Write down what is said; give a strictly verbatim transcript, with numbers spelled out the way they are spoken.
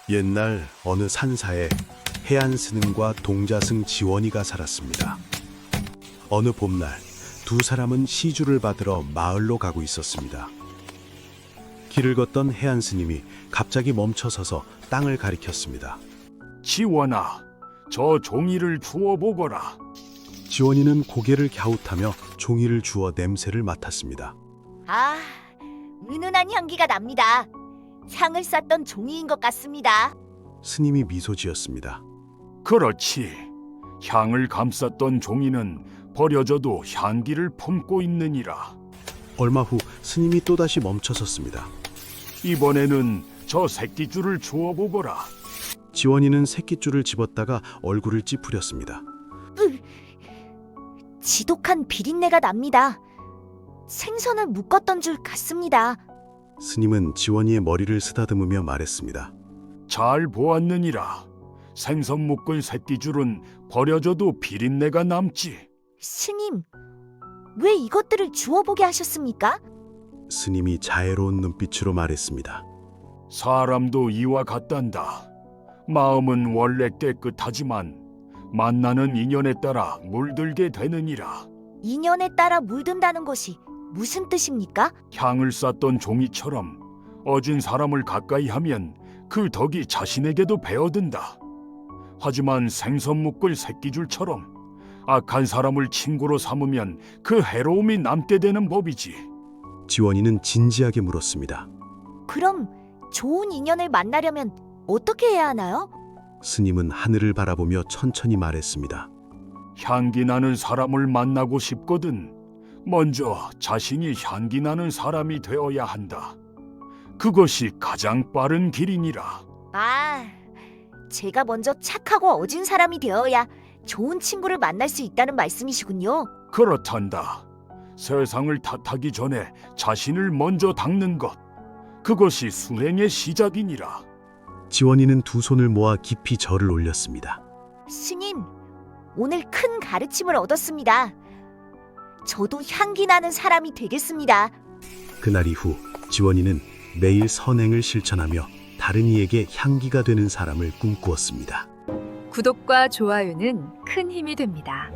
옛날 어느 산사에 해안스님과 동자승 지원이가 살았습니다. 어느 봄날 두 사람은 시주를 받으러 마을로 가고 있었습니다. 길을 걷던 해안스님이 갑자기 멈춰서서 땅을 가리켰습니다. 지원아, 저 종이를 주워 보거라. 지원이는 고개를 갸웃하며 종이를 주워 냄새를 맡았습니다. 아, 은은한 향기가 납니다. 향을 쌌던 종이인 것 같습니다. 스님이 미소 지었습니다. 그렇지. 향을 감쌌던 종이는 버려져도 향기를 품고 있느니라. 얼마 후 스님이 또다시 멈춰섰습니다. 이번에는 저 새끼줄을 주워 보거라. 지원이는 새끼줄을 집었다가 얼굴을 찌푸렸습니다. 지독한 비린내가 납니다. 생선을 묶었던 줄 같습니다. 스님은 지원이의 머리를 쓰다듬으며 말했습니다. 잘 보았느니라. 생선 묶은 새끼줄은 버려져도 비린내가 남지. 스님, 왜 이것들을 주워보게 하셨습니까? 스님이 자애로운 눈빛으로 말했습니다. 사람도 이와 같단다. 마음은 원래 깨끗하지만 만나는 인연에 따라 물들게 되느니라. 인연에 따라 물든다는 것이 무슨 뜻입니까? 향을 쌌던 종이처럼 어진 사람을 가까이 하면 그 덕이 자신에게도 배어든다. 하지만 생선 묶을 새끼줄처럼 악한 사람을 친구로 삼으면 그 해로움이 남게 되는 법이지. 지원이는 진지하게 물었습니다. 그럼 좋은 인연을 만나려면 어떻게 해야 하나요? 스님은 하늘을 바라보며 천천히 말했습니다. 향기 나는 사람을 만나고 싶거든 먼저 자신이 향기 나는 사람이 되어야 한다. 그것이 가장 빠른 길이니라. 아, 제가 먼저 착하고 어진 사람이 되어야 좋은 친구를 만날 수 있다는 말씀이시군요. 그렇단다. 세상을 탓하기 전에 자신을 먼저 닦는 것, 그것이 수행의 시작이니라. 지원이는 두 손을 모아 깊이 절을 올렸습니다. 스님, 오늘 큰 가르침을 얻었습니다. 저도 향기 나는 사람이 되겠습니다. 그날 이후 지원이는 매일 선행을 실천하며 다른 이에게 향기가 되는 사람을 꿈꾸었습니다. 구독과 좋아요는 큰 힘이 됩니다.